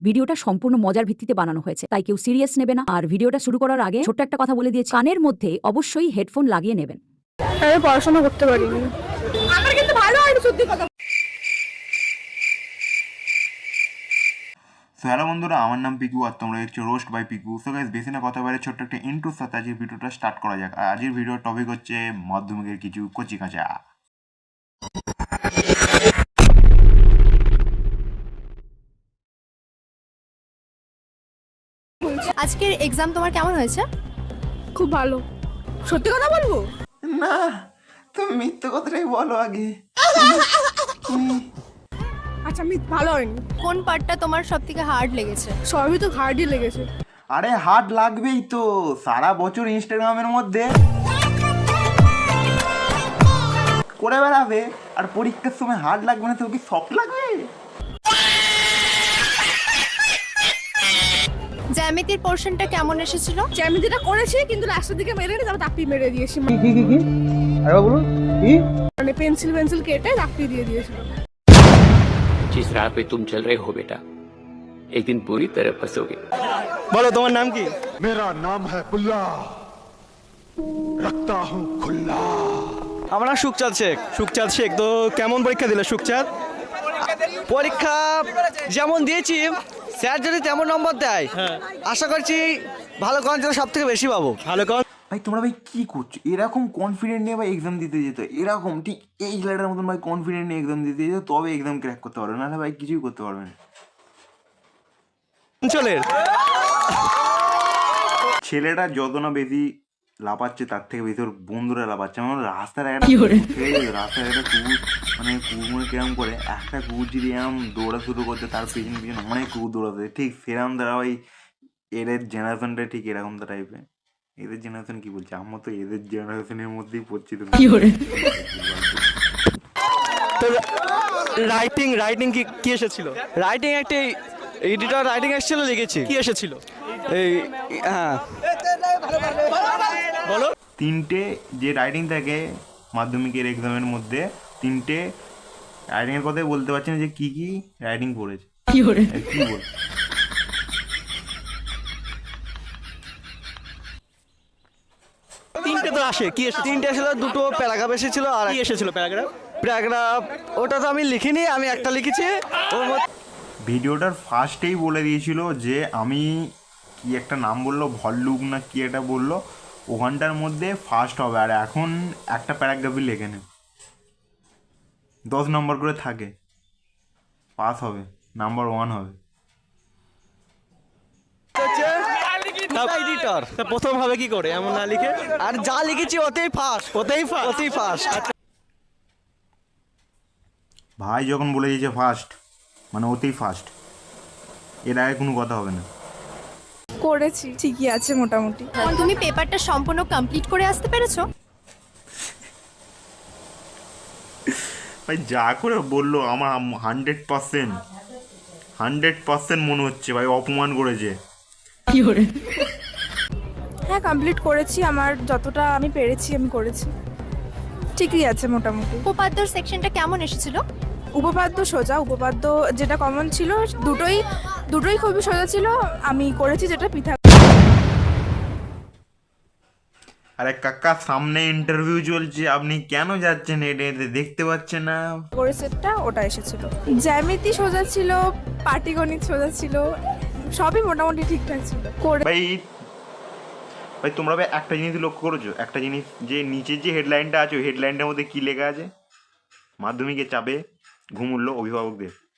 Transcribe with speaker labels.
Speaker 1: ভিডিওটা সম্পূর্ণ মজার ভিত্তিতে বানানো হয়েছে, তাই কেউ সিরিয়াস নেবে না। আর ভিডিওটা শুরু করার আগে ছোট্ট একটা কথা বলে দিয়েছি, কানের মধ্যে অবশ্যই হেডফোন লাগিয়ে নেবেন।
Speaker 2: আমি পড়াশোনা করতে পারিনি, আমার কিন্তু ভালো হয় সত্যি কথা।
Speaker 3: সো হ্যালো বন্ধুরা, আমার নাম পিকু আর তোমরা দেখছো roast by Piku. So guys, বেশি না কথা বলে ছোট্ট একটা ইন্ট্রোর সাথে আজকের ভিডিওটা স্টার্ট করা যাক। আর আজকের ভিডিওর টপিক হচ্ছে মাধ্যমিকের কিছু কচি কাঁচা।
Speaker 4: আজকের এক্সাম তোমার কেমন হয়েছে?
Speaker 2: খুব ভালো। সত্যি কথা বলবো
Speaker 3: না, তুমি মিথ্যে কথাটাই বলো আগে।
Speaker 2: আচ্ছা, আমি ভালো হয়নি।
Speaker 4: কোন পার্টটা তোমার সবথেকে হার্ড লেগেছে?
Speaker 2: সবই তো হার্ডই লেগেছে।
Speaker 3: আরে হার্ড লাগবেই তো, সারা বছর ইনস্টাগ্রামের মধ্যে করে বেড়াবে আর পরীক্ষার সময় হার্ড লাগবে না তো কি সফট লাগবে?
Speaker 4: জ্যামিতির পোরশনটা কেমন এসেছিল?
Speaker 2: জ্যামিতিটা করেছি কিন্তু লাস্টের দিকে মেরে নি, তারপর দাপি মেরে দিয়েছি।
Speaker 5: কি আরে বলুন কি
Speaker 2: মানে পেন্সিল কেটে দাপি দিয়ে দিয়েছিল।
Speaker 6: जिस राह पे तुम चल रहे हो बेटा, एक दिन पूरी तरह फंसोगे।
Speaker 5: বলো তোমার নাম কি?
Speaker 7: मेरा नाम है पुल्ला, रखता हूँ खुल्ला।
Speaker 5: আমার নাম সুখচাঁদ শেখ। তো কেমন পরীক্ষা দিলে সুখচাঁদ? পরীক্ষা যেমন দিয়েছি, স্যার যদি তেমন নম্বর দেয় আশা করছি ভালো কনফিডেন্স সব থেকে বেশি পাবো। ভালো কন
Speaker 3: ভাই তোমরা ভাই কি করছো? এরকম কনফিডেন্ট নিয়ে ভাই এক্সাম দিতে যেত, এরকম ঠিক এই ছেলেটার মতন ভাই কনফিডেন্ট নিয়ে এক্সাম দিতে যেত, তবে এক্সাম ক্র্যাক করতে পারবে, নাহলে ভাই কিছুই করতে পারবে না।
Speaker 5: অঞ্চলের
Speaker 3: ছেলেটা যত না বেশি লাফাচ্ছে তার থেকে বেশি ওর বন্ধুরা লাফাচ্ছে। আমার রাস্তার একটা রাস্তার একটা কুকুর, মানে কুকুর কিরম করে একটা কুকুর যদি এরম দৌড়া শুরু করতে, তার পেছন পিছন অনেক কুকুর দৌড়াতে, ঠিক সেরকম দ্বারা ভাই এদের জেনারেশনটা ঠিক এরকম টাইপের। এদের জেনারেশন কি বলছে, আমরা তো এদের জেনারেশনের মধ্যেই পড়ছি। তো
Speaker 5: তো রাইটিং কি এসেছিল? রাইটিং একটা এডিটর রাইটিং এসেছিল, লিখেছি। কি এসেছিল? এই হ্যাঁ বলো।
Speaker 3: তিনটে যে রাইটিং থাকে মাধ্যমিকের এক্সামের মধ্যে, তিনটে রাইটিংয়ের কথাই বলতে পারছি না যে কি কি রাইটিং পড়েছে, কি বল।
Speaker 5: তিনটে তো আসে। কি এসে? তিনটে এসেছিল, দুটো প্যারাগ্রাফ এসেছিল। আর কি এসেছিল? প্যারাগ্রাফ ওটা তো আমি লিখিনি, আমি একটা লিখেছি। ওর মধ্যে
Speaker 3: ভিডিওটার ফার্স্টেই বলে দিয়েছিল যে আমি কি একটা নাম বললো, ভল্লুক না কি একটা বললো, ওখানটার মধ্যে ফার্স্ট হবে। আর এখন একটা প্যারাগ্রাফই লেখে নেই, 10 নম্বর করে থাকে, পাস হবে, নাম্বার 1 হবে।
Speaker 5: এডিটর প্রথম হবে কি করে এমন না লিখে? আর যা লিখেছি ওতেই ফার্স্ট।
Speaker 3: ভাই যখন বলে দিয়েছে ফার্স্ট মানে ওতেই ফার্স্ট, এর আগে কোনো কথা হবে না।
Speaker 2: করেছি, ঠিকই আছে মোটামুটি।
Speaker 4: তুমি পেপারটা সম্পূর্ণ কমপ্লিট করে আসতে পেরেছো?
Speaker 3: ভাই যা করে বললো আমার 100% মনে হচ্ছে ভাই অপমান করেছে।
Speaker 2: হ্যাঁ, কমপ্লিট করেছি। আমার যতটা আমি পেরেছি আমি করেছি, ঠিকই আছে মোটামুটি।
Speaker 4: উপপাদ্যর সেকশনটা কেমন এসেছিল?
Speaker 2: উপপাদ্য সোজা, উপপাদ্য যেটা কমন ছিল দুটোই খুবই সোজা ছিল। আমি করেছি যেটা পৃথক।
Speaker 3: আরে কাকা, সামনে ইন্টারভিউ চলছে, আপনি কেন যাচ্ছেন হেঁটে হেঁটে? দেখতে পাচ্ছেন না?
Speaker 2: করে সেটটা ওটা এসেছিল। জ্যামিতি সোজা ছিল, পাটিগণিত সোজা ছিল, সবই মোটামুটি ঠিকঠাক ছিল।
Speaker 3: ভাই তোমরা ভাই একটা জিনিস লক্ষ্য করেছো? একটা জিনিস, যে নিচের যে হেডলাইনটা আছে ওই হেডলাইনটার মধ্যে কি লেখা আছে? মাধ্যমিকের চাপে ঘুম উঠল অভিভাবকদের।